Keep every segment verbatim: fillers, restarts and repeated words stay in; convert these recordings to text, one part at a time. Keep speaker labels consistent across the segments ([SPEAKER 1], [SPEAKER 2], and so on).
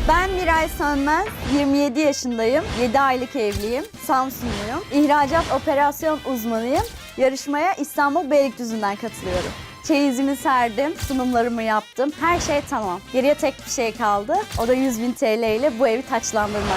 [SPEAKER 1] Ben Miray Sönmez, yirmi yedi yaşındayım, yedi aylık evliyim, Samsunluyum. İhracat operasyon uzmanıyım. Yarışmaya İstanbul Beylikdüzü'nden katılıyorum. Çeyizimi serdim, sunumlarımı yaptım. Her şey tamam. Geriye tek bir şey kaldı. O da yüz bin T L ile bu evi taçlandırmak.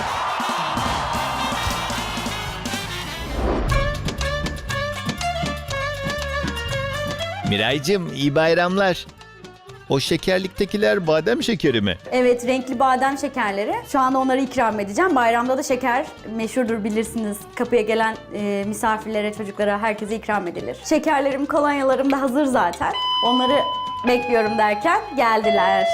[SPEAKER 2] Miraycığım iyi bayramlar. O şekerliktekiler badem şekeri mi?
[SPEAKER 1] Evet, renkli badem şekerleri. Şu anda onları ikram edeceğim. Bayramda da şeker meşhurdur, bilirsiniz. Kapıya gelen e, misafirlere, çocuklara, herkese ikram edilir. Şekerlerim, kolonyalarım da hazır zaten. Onları bekliyorum derken geldiler.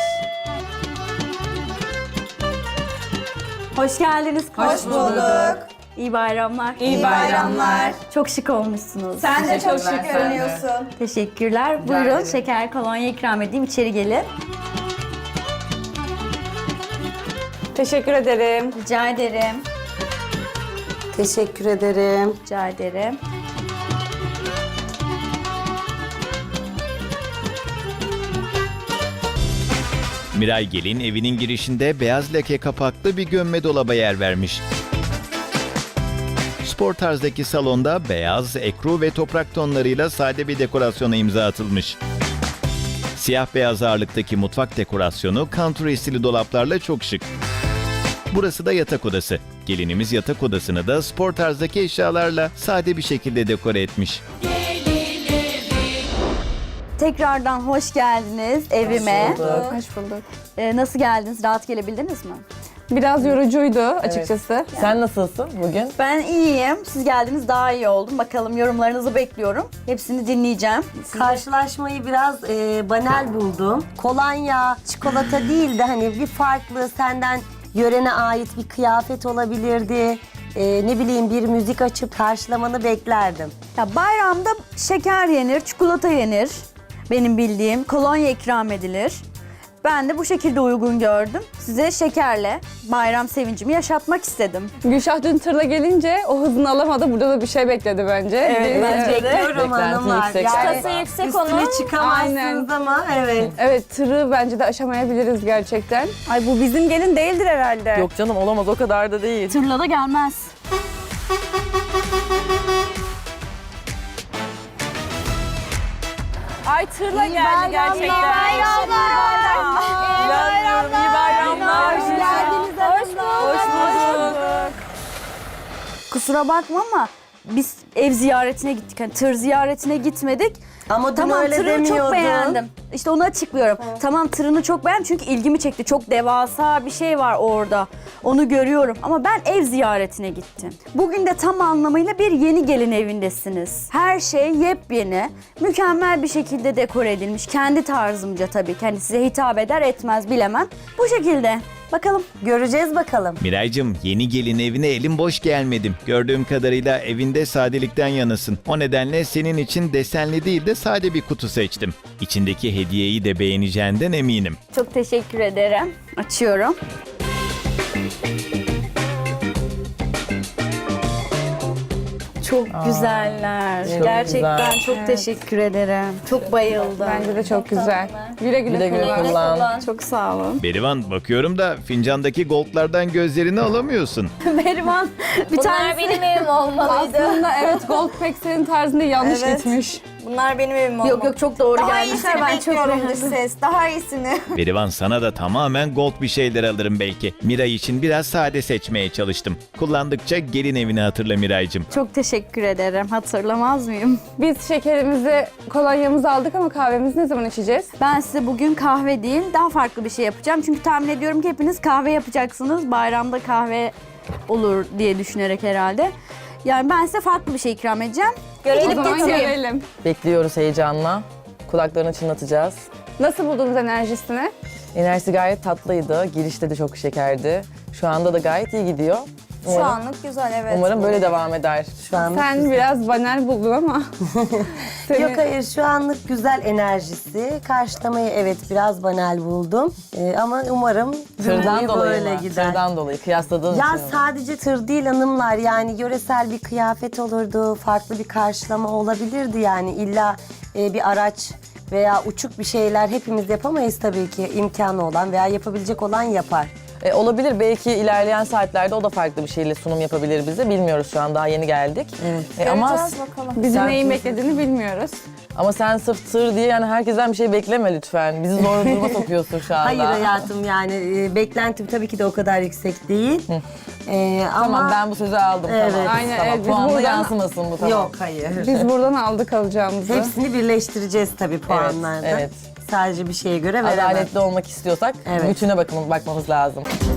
[SPEAKER 1] Hoş geldiniz.
[SPEAKER 3] Hoş bulduk.
[SPEAKER 1] İyi bayramlar.
[SPEAKER 3] İyi bayramlar.
[SPEAKER 1] Çok şık olmuşsunuz.
[SPEAKER 3] Sen de çok
[SPEAKER 4] Teşekkürler,
[SPEAKER 3] şık
[SPEAKER 4] sen de.
[SPEAKER 3] görünüyorsun.
[SPEAKER 1] Teşekkürler. Buyurun,
[SPEAKER 4] ederim.
[SPEAKER 1] şeker, kolonya ikram edeyim. İçeri gelin.
[SPEAKER 3] Teşekkür ederim.
[SPEAKER 1] Rica ederim.
[SPEAKER 5] Teşekkür ederim.
[SPEAKER 1] Rica ederim.
[SPEAKER 2] Miray Gelin evinin girişinde beyaz leke kapaklı bir gömme dolaba yer vermiş. Spor tarzdaki salonda beyaz, ekru ve toprak tonlarıyla sade bir dekorasyona imza atılmış. Siyah beyaz ağırlıktaki mutfak dekorasyonu country stili dolaplarla çok şık. Burası da yatak odası. Gelinimiz yatak odasını da spor tarzdaki eşyalarla sade bir şekilde dekore etmiş.
[SPEAKER 1] Tekrardan hoş geldiniz evime.
[SPEAKER 3] Hoş bulduk.
[SPEAKER 1] Ee, nasıl geldiniz? Rahat gelebildiniz mi?
[SPEAKER 3] Biraz yorucuydu açıkçası.
[SPEAKER 4] Sen nasılsın bugün?
[SPEAKER 1] Ben iyiyim. Siz geldiniz, daha iyi oldum. Bakalım, yorumlarınızı bekliyorum. Hepsini dinleyeceğim. Siz-
[SPEAKER 5] Karşılaşmayı biraz e, banal buldum. Kolonya, çikolata değil de hani bir farklı senden yörene ait bir kıyafet olabilirdi. E, ne bileyim bir müzik açıp karşılamanı beklerdim.
[SPEAKER 1] Ya bayramda şeker yenir, çikolata yenir. Benim bildiğim kolonya ikram edilir. Ben de bu şekilde uygun gördüm. Size şekerle bayram sevincimi yaşatmak istedim.
[SPEAKER 3] Gülşah dün tırla gelince o hızını alamadı. Burada da bir şey bekledi bence.
[SPEAKER 1] Evet,
[SPEAKER 3] Biz-
[SPEAKER 1] bence de.
[SPEAKER 5] Bekliyorum
[SPEAKER 4] Beklenti
[SPEAKER 5] hanımlar.
[SPEAKER 4] yüksek
[SPEAKER 5] Yani
[SPEAKER 4] galiba.
[SPEAKER 1] yüksek
[SPEAKER 5] üstüne çıkamazsınız
[SPEAKER 3] Aynen.
[SPEAKER 5] ama evet.
[SPEAKER 3] Evet, tırı bence de aşamayabiliriz gerçekten. Ay bu bizim gelin değildir herhalde.
[SPEAKER 4] Yok canım olamaz o kadar da değil.
[SPEAKER 1] Tırla da gelmez.
[SPEAKER 3] Ay tırla geldi gerçekten.
[SPEAKER 4] İnanmıyorum iyi bayramlar.
[SPEAKER 3] Hoş geldiniz. Hoş bulduk.
[SPEAKER 4] Hoş bulduk.
[SPEAKER 1] Kusura bakma ama biz ev ziyaretine gittik. Hani tır ziyaretine gitmedik.
[SPEAKER 5] Ama dün
[SPEAKER 1] Tamam,
[SPEAKER 5] öyle
[SPEAKER 1] tırını çok
[SPEAKER 5] demiyordun.
[SPEAKER 1] beğendim. İşte onu açıklıyorum. Tamam, tırını çok beğendim çünkü ilgimi çekti. Çok devasa bir şey var orada. Onu görüyorum. Ama ben ev ziyaretine gittim. Bugün de tam anlamıyla bir yeni gelin evindesiniz. Her şey yepyeni. Mükemmel bir şekilde dekore edilmiş. Kendi tarzımca tabii. Kendi size hitap eder etmez bilemem. Bu şekilde. Bakalım.
[SPEAKER 5] Göreceğiz bakalım.
[SPEAKER 2] Miraycığım yeni gelin evine elim boş gelmedim. Gördüğüm kadarıyla evinde sadelikten yanasın. O nedenle senin için desenli değil de sade bir kutu seçtim. İçindeki hediyeyi de beğeneceğinden eminim.
[SPEAKER 1] Çok teşekkür ederim. Açıyorum. Çok güzeller.
[SPEAKER 4] çok
[SPEAKER 1] Gerçekten
[SPEAKER 4] güzel.
[SPEAKER 1] çok teşekkür ederim. Çok bayıldım.
[SPEAKER 3] Bence de çok güzel. Güle güle,
[SPEAKER 4] Güle güle
[SPEAKER 3] kullan.
[SPEAKER 4] kullan.
[SPEAKER 1] Çok sağ olun.
[SPEAKER 2] Berivan bakıyorum da fincandaki goldlardan gözlerini alamıyorsun.
[SPEAKER 1] Berivan bir
[SPEAKER 6] Bunlar
[SPEAKER 1] tanesi...
[SPEAKER 6] benim evim olmalıydı.
[SPEAKER 3] Aslında evet gold pek senin tarzında yanlış
[SPEAKER 6] Evet.
[SPEAKER 3] gitmiş.
[SPEAKER 6] Bunlar benim evim olmalı.
[SPEAKER 1] Yok yok, çok doğru
[SPEAKER 6] Daha
[SPEAKER 1] gelmişler.
[SPEAKER 6] iyisini
[SPEAKER 1] Ben çok
[SPEAKER 6] bekliyorum dış
[SPEAKER 1] beğendim.
[SPEAKER 6] ses. Daha iyisini.
[SPEAKER 2] Berivan sana da tamamen gold bir şeyler alırım belki. Miray için biraz sade seçmeye çalıştım. Kullandıkça gelin evini hatırla Miraycığım.
[SPEAKER 1] Çok teşekkür ederim. Hatırlamaz mıyım?
[SPEAKER 3] Biz şekerimizi, kolonyamızı aldık ama kahvemizi ne zaman içeceğiz?
[SPEAKER 1] Ben size bugün kahve değil, daha farklı bir şey yapacağım. Çünkü tahmin ediyorum ki hepiniz kahve yapacaksınız. Bayramda kahve olur diye düşünerek herhalde. Yani ben size farklı bir şey ikram edeceğim.
[SPEAKER 3] O
[SPEAKER 1] Gidip
[SPEAKER 3] zaman
[SPEAKER 1] getireyim.
[SPEAKER 3] görelim.
[SPEAKER 4] Bekliyoruz heyecanla. Kulaklarını çınlatacağız.
[SPEAKER 3] Nasıl buldunuz enerjisini?
[SPEAKER 4] Enerjisi gayet tatlıydı. Girişte de çok şekerdi. Şu anda da gayet iyi gidiyor.
[SPEAKER 6] Şu
[SPEAKER 4] Umarım,
[SPEAKER 6] anlık güzel evet.
[SPEAKER 4] umarım böyle devam eder.
[SPEAKER 5] Şu an
[SPEAKER 3] Sen biraz banal buldun ama. Seni-
[SPEAKER 5] Yok hayır, şu anlık güzel enerjisi. Karşılamayı evet biraz banal buldum. Ee, ama umarım
[SPEAKER 4] Tırdan
[SPEAKER 5] cümleyi
[SPEAKER 4] dolayı
[SPEAKER 5] böyle
[SPEAKER 4] mı?
[SPEAKER 5] gider.
[SPEAKER 4] Tırdan dolayı kıyasladığın
[SPEAKER 5] Ya
[SPEAKER 4] için mi?
[SPEAKER 5] sadece tır değil hanımlar, yani yöresel bir kıyafet olurdu, farklı bir karşılama olabilirdi yani. İlla e, bir araç veya uçuk bir şeyler hepimiz yapamayız tabii ki, imkanı olan veya yapabilecek olan yapar.
[SPEAKER 4] E, olabilir. Belki ilerleyen saatlerde o da farklı bir şeyle sunum yapabilir bize. Bilmiyoruz şu an. Daha yeni geldik.
[SPEAKER 5] Evet.
[SPEAKER 4] E, ama
[SPEAKER 6] Göreceğiz bakalım.
[SPEAKER 3] Bizi
[SPEAKER 4] Sen-
[SPEAKER 3] neyin beklediğini bilmiyoruz.
[SPEAKER 4] ama sen sırf tır diye yani herkesten bir şey bekleme lütfen. Bizi zor duruma sokuyorsun şu anda.
[SPEAKER 5] Hayır hayatım yani e, beklentim tabii ki de o kadar yüksek değil. E,
[SPEAKER 4] Tamam
[SPEAKER 5] ama
[SPEAKER 4] ben bu sözü aldım.
[SPEAKER 5] Evet.
[SPEAKER 4] Tamam.
[SPEAKER 3] Aynen,
[SPEAKER 4] Tamam.
[SPEAKER 3] evet, biz
[SPEAKER 4] Puanla
[SPEAKER 3] buradan-
[SPEAKER 4] yansımasın bu tamam.
[SPEAKER 5] yok hayır.
[SPEAKER 3] Biz buradan aldık alacağımızı.
[SPEAKER 5] Hepsini birleştireceğiz tabii puanlarda.
[SPEAKER 4] evet.
[SPEAKER 5] Sadece bir şeye göre veremem.
[SPEAKER 4] Adaletli olmak istiyorsak
[SPEAKER 5] Evet.
[SPEAKER 4] bütüne bakım, bakmamız lazım.